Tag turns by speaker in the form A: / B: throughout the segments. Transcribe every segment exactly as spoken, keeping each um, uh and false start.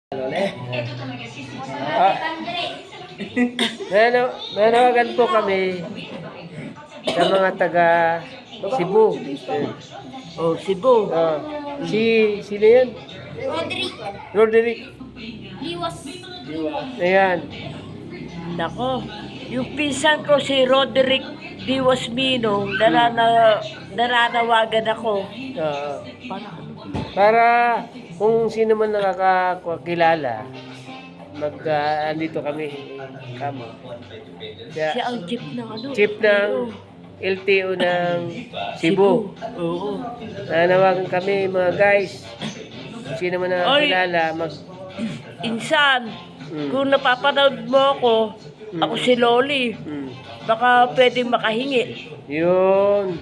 A: Ah, nanaw nanawagan po kami sa mga taga Cebu.
B: Oh, Cebu.
A: Ah, si sino yan?
C: Roderick
A: Roderick.
C: Liwas.
A: Ayan.
B: Nako, yung pinsan ko si Roderick Diwas Mino, narana, naranawagan ako.
A: Ah,
B: Para,
A: para kung sino man nakakakilala, mag uh, andito kami kamo.
B: siya
A: Kaya,
B: ang chief ng ano?
A: chief ng L T O ng Cebu.
B: Oo.
A: Nanawagan kami mga guys. Kung sino man nakakilala, mag
B: Insan,
A: Mm.
B: kung napapanood mo ako,
A: Mm.
B: ako si Loli,
A: mm,
B: baka pwedeng makahingi.
A: yun.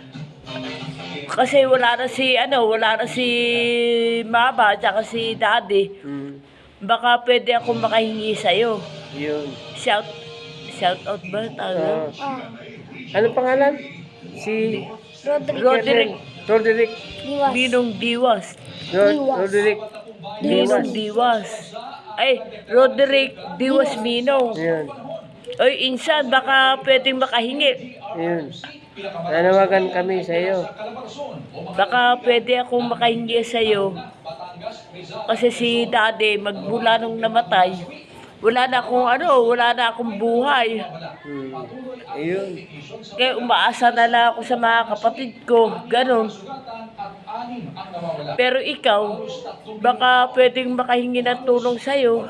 B: Kasi wala na si, ano, wala na si Mama, tsaka si Daddy.
A: Mm,
B: Baka pwede ako makahingi sa'yo.
A: yun.
B: Shout, shout out ba? Ano?
A: Ah, ano pangalan? Si
C: Roderick
B: Roderick
A: Roderick.
C: Liwas.
B: Minong Diwas.
A: Rod
C: Diwas.
A: Roderick.
B: Minong Diwas. Ay, Roderick Diwas Minong.
A: Yun.
B: Oy, insan, baka pwedeng makahingi.
A: Yun. Nanawagan kami sa iyo.
B: Baka pwede akong makahingi sa'yo. Kasi si Daddy, magmula nung namatay, wala na akong ano, wala na akong buhay.
A: Hmm. Ayun.
B: Kaya umaasa na lang ako sa mga kapatid ko, ganon. Pero ikaw, baka pwedeng makahingi ng tulong sa'yo.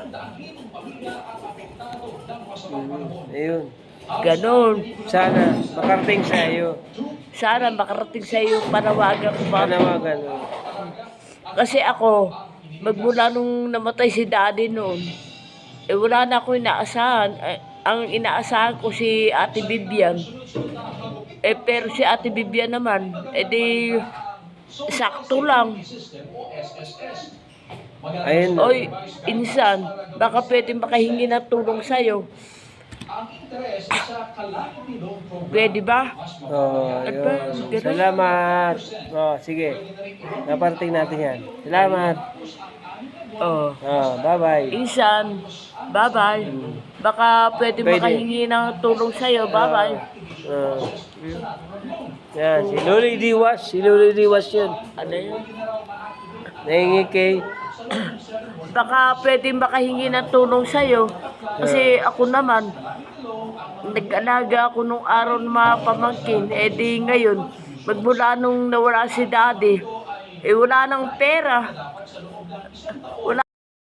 A: Hmm. Ayun.
B: Ganon.
A: Sana makarating sa iyo.
B: Sana makarating sa'yo panawagan ko ba?
A: Nanawagan.
B: Kasi ako, magmula nung namatay si Daddy noon, eh wala na ako inaasahan. Eh, ang inaasahan ko si Ate Bibian. Eh pero si Ate Bibian naman, eh di sakto lang.
A: Ayun. na.
B: Oy, insan, baka pwede makahingi ng tulong sa'yo. Pwede ba?
A: Oh,
B: At ba,
A: yun.
B: ganun?
A: Salamat. Oh, sige. Naparating natin yan. Salamat.
B: Oh.
A: Oh, bye-bye.
B: Insan, bye-bye. Baka pwede,
A: Pwede.
B: makahingi ng tulong sa'yo. Bye-bye.
A: Oh. Yan, si Loli Diwas. Si Loli Diwas yun.
B: Ano yun?
A: Nahingi kay...
B: Baka pwede makahingi ng tulong sa'yo. Kasi ako naman, nag-alaga ako nung araw ng mga pamangkin. Eh di ngayon, magmula nung nawala si Daddy, eh wala nang pera. Wala